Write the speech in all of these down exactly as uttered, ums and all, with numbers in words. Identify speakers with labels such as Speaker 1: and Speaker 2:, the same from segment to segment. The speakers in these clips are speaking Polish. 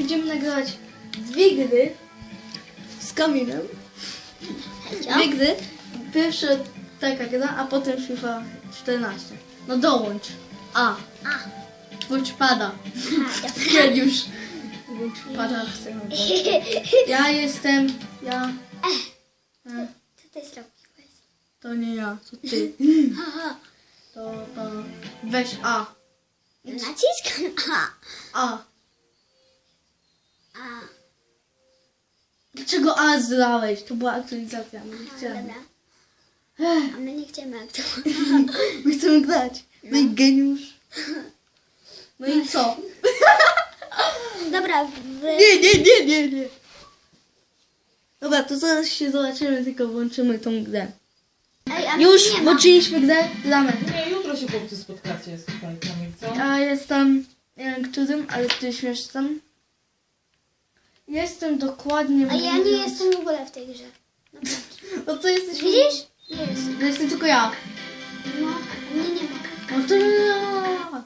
Speaker 1: będziemy nagrywać dwie gry z Kamilem. Dwie gry. Pierwsza taka gra, a potem FIFA czternaście. No dołącz. A.
Speaker 2: A.
Speaker 1: Bądź pada.
Speaker 2: Ja
Speaker 1: już. Bądź pada. Chcę. Ja jestem. Ja. E,
Speaker 2: Co ty zrobiłeś?
Speaker 1: To nie ja, to ty.
Speaker 2: Haha.
Speaker 1: To, to. Weź A.
Speaker 2: Naciskam A.
Speaker 1: A.
Speaker 2: A.
Speaker 1: Dlaczego A zlałeś? To była aktualizacja. My nie
Speaker 2: A,
Speaker 1: chcemy.
Speaker 2: dobra.
Speaker 1: Ech,
Speaker 2: A my nie chcemy jak to.
Speaker 1: my chcemy grać. No i geniusz. No i co?
Speaker 2: Dobra, wy...
Speaker 1: Nie, nie, nie, nie, nie. Dobra, to zaraz się zobaczymy, tylko włączymy tą grę.
Speaker 2: Ej, a
Speaker 1: Już
Speaker 2: nie ma.
Speaker 1: włączyliśmy grę, gramy.
Speaker 3: Nie, jutro się chłopcy spotkacie z tutaj, Kamil, co?
Speaker 1: Ja jestem, nie wiem którym, ale ty już jestem. Jestem dokładnie...
Speaker 2: A ja nie jestem w ogóle w tej grze. Naprawdę.
Speaker 1: No to jesteś...
Speaker 2: Widzisz? Nie jestem.
Speaker 1: No jestem tylko ja.
Speaker 2: No, a mnie nie ma.
Speaker 1: No to ja.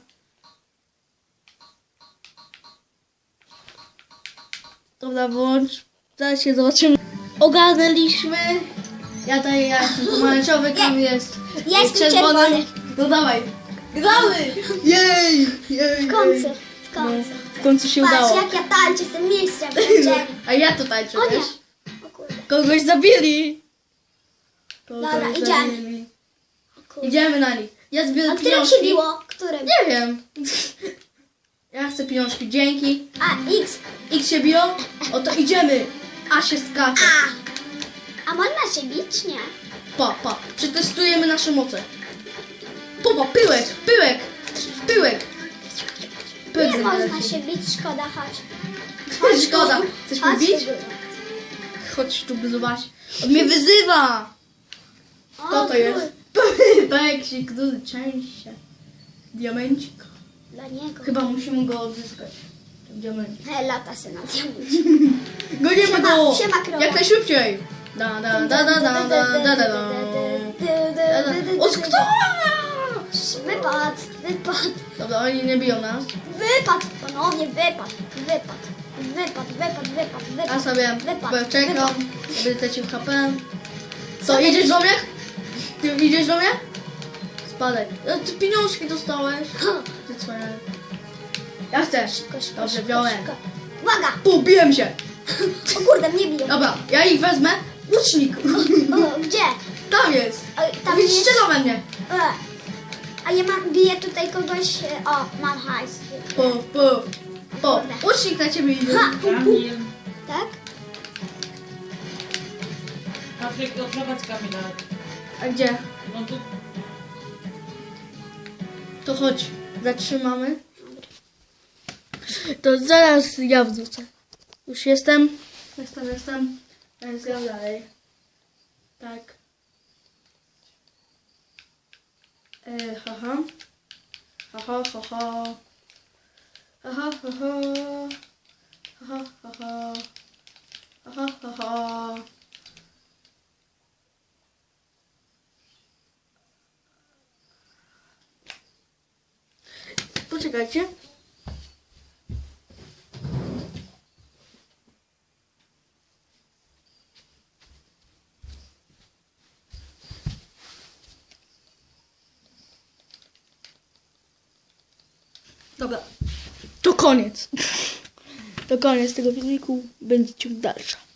Speaker 1: Dobra, włącz. Zaraz się zobaczymy. Ogarnęliśmy. Ja tutaj, ja jestem pomarańczowy, Kamil jest
Speaker 2: Ja jestem czerwony.
Speaker 1: No dawaj. Gramy! Jej! Jej!
Speaker 2: W końcu,
Speaker 1: jej.
Speaker 2: w końcu.
Speaker 1: No, w końcu się
Speaker 2: Patrz,
Speaker 1: udało.
Speaker 2: jak ja tańczę, jestem mistrzem w tańczeniu.
Speaker 1: A ja to tańczę,
Speaker 2: O nie.
Speaker 1: wiesz?
Speaker 2: O kurde.
Speaker 1: Kogoś zabili. Kogoś
Speaker 2: Dobra, idziemy.
Speaker 1: zabili.
Speaker 2: O kurde.
Speaker 1: Idziemy na nich. Ja
Speaker 2: A
Speaker 1: zbieram
Speaker 2: którym
Speaker 1: pieniążki.
Speaker 2: się biło? Którym?
Speaker 1: Nie wiem. Ja chcę pieniążki, dzięki.
Speaker 2: A, X.
Speaker 1: X się biją, oto idziemy. A się skacze.
Speaker 2: A. A można się bić? Nie.
Speaker 1: Pa, pa. Przetestujemy nasze moce. Popa, pyłek, pyłek, pyłek. Pyłek
Speaker 2: Nie
Speaker 1: zabierać.
Speaker 2: można się bić, szkoda, chodź.
Speaker 1: Szkoda. Chcesz mnie
Speaker 2: Chodź
Speaker 1: bić?
Speaker 2: tu, góra.
Speaker 1: Chodź tu, zobacz. On mnie wyzywa.
Speaker 2: O,
Speaker 1: Kto to
Speaker 2: kur-
Speaker 1: jest? Peksik, który część się. Diamencik.
Speaker 2: Dla niego.
Speaker 1: Chyba musimy go odzyskać. Diamencik.
Speaker 2: He, lata se na diamencie.
Speaker 1: Goniemy
Speaker 2: Siema,
Speaker 1: go!
Speaker 2: siema, krowa.
Speaker 1: Jak najszybciej! Da, da, da, da, da, da, da, da, da. O, kto?
Speaker 2: Wypad, wypad,
Speaker 1: Dobra, oni nie biją nas.
Speaker 2: wypad, ponownie wypad, wypad, wypad, wypad, wypad, wypad.
Speaker 1: Ja sobie
Speaker 2: wypad,
Speaker 1: czekam,
Speaker 2: wypad.
Speaker 1: będę ci H P. Co, idziesz do mnie? Ty idziesz do mnie? Spadaj. E, Ty pieniążki dostałeś. Ty cwaniak. Ja chcę.
Speaker 2: Szybko, szybko,
Speaker 1: Dobrze,
Speaker 2: szybko,
Speaker 1: wziąłem.
Speaker 2: szybko. Uwaga!
Speaker 1: Pu, biłem się.
Speaker 2: O kurde, mnie biją.
Speaker 1: Dobra, ja ich wezmę. Łucznik.
Speaker 2: O, gdzie?
Speaker 1: Tam jest.
Speaker 2: O, tam
Speaker 1: Widzisz,
Speaker 2: jest...
Speaker 1: strzela we mnie.
Speaker 2: E. A ja mam, biję tutaj kogoś... e, O, mam hajs.
Speaker 1: Puf, puf. Po, łucznik na ciebie idzie.
Speaker 2: Ha!
Speaker 3: Kamil,
Speaker 2: Tak?
Speaker 3: Patryk, odprowadź Kamila.
Speaker 1: A gdzie?
Speaker 3: No tu,
Speaker 1: To chodź, zatrzymamy. To zaraz ja wrzucę. Już jestem. Jestem, jestem. Teraz gram dalej. Tak. E, haha. Haha, haha. Haha, haha. Haha, haha. Haha, haha. Poczekajcie. Dobra. To koniec. To koniec tego filmiku. Będzie ciąg dalsza.